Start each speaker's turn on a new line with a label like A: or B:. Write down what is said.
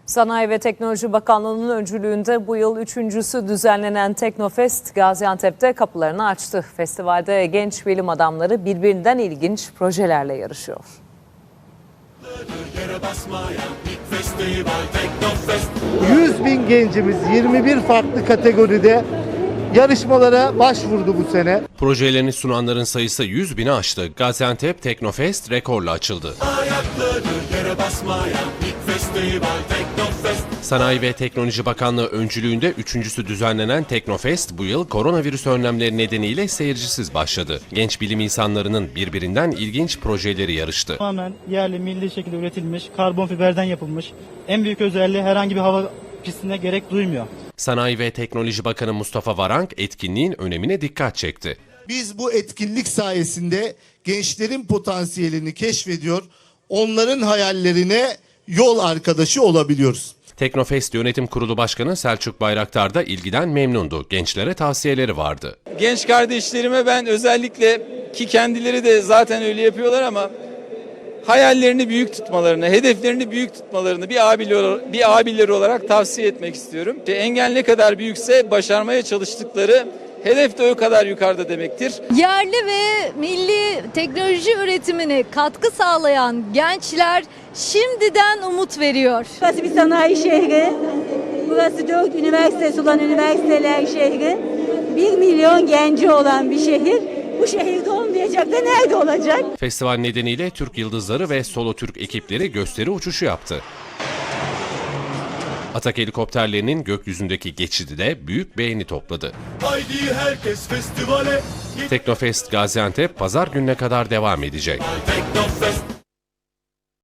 A: Sanayi ve Teknoloji Bakanlığı'nın öncülüğünde bu yıl üçüncüsü düzenlenen Teknofest Gaziantep'te kapılarını açtı. Festivalde genç bilim adamları birbirinden ilginç projelerle yarışıyor.
B: 100.000 gencimiz 21 farklı kategoride yarışmalara başvurdu bu sene.
C: Projelerini sunanların sayısı 100.000'i aştı. Gaziantep Teknofest rekorla açıldı. Sanayi ve Teknoloji Bakanlığı öncülüğünde üçüncüsü düzenlenen Teknofest bu yıl koronavirüs önlemleri nedeniyle seyircisiz başladı. Genç bilim insanlarının birbirinden ilginç projeleri yarıştı.
D: Tamamen yerli, milli şekilde üretilmiş, karbon fiberden yapılmış. En büyük özelliği herhangi bir hava pistine gerek duymuyor.
C: Sanayi ve Teknoloji Bakanı Mustafa Varank etkinliğin önemine dikkat çekti.
B: Biz bu etkinlik sayesinde gençlerin potansiyelini keşfediyor, onların hayallerine yol arkadaşı olabiliyoruz.
C: Teknofest Yönetim Kurulu Başkanı Selçuk Bayraktar da ilgiden memnundu. Gençlere tavsiyeleri vardı.
E: Genç kardeşlerime ben özellikle, ki kendileri de zaten öyle yapıyorlar ama hayallerini büyük tutmalarını, hedeflerini büyük tutmalarını bir abileri olarak tavsiye etmek istiyorum. Engel ne kadar büyükse başarmaya çalıştıkları hedef de o kadar yukarıda demektir.
F: Yerli ve milli teknoloji üretimine katkı sağlayan gençler şimdiden umut veriyor.
G: Burası bir sanayi şehri. Burası 4 üniversitesi olan üniversiteler şehri. 1 milyon genci olan bir şehir. Bu şehirde olmayacak da nerede olacak?
C: Festival nedeniyle Türk Yıldızları ve Solo Türk ekipleri gösteri uçuşu yaptı. Atak helikopterlerinin gökyüzündeki geçidi de büyük beğeni topladı.
H: Haydi herkes festivale.
C: Teknofest Gaziantep pazar gününe kadar devam edecek.
H: Teknofest.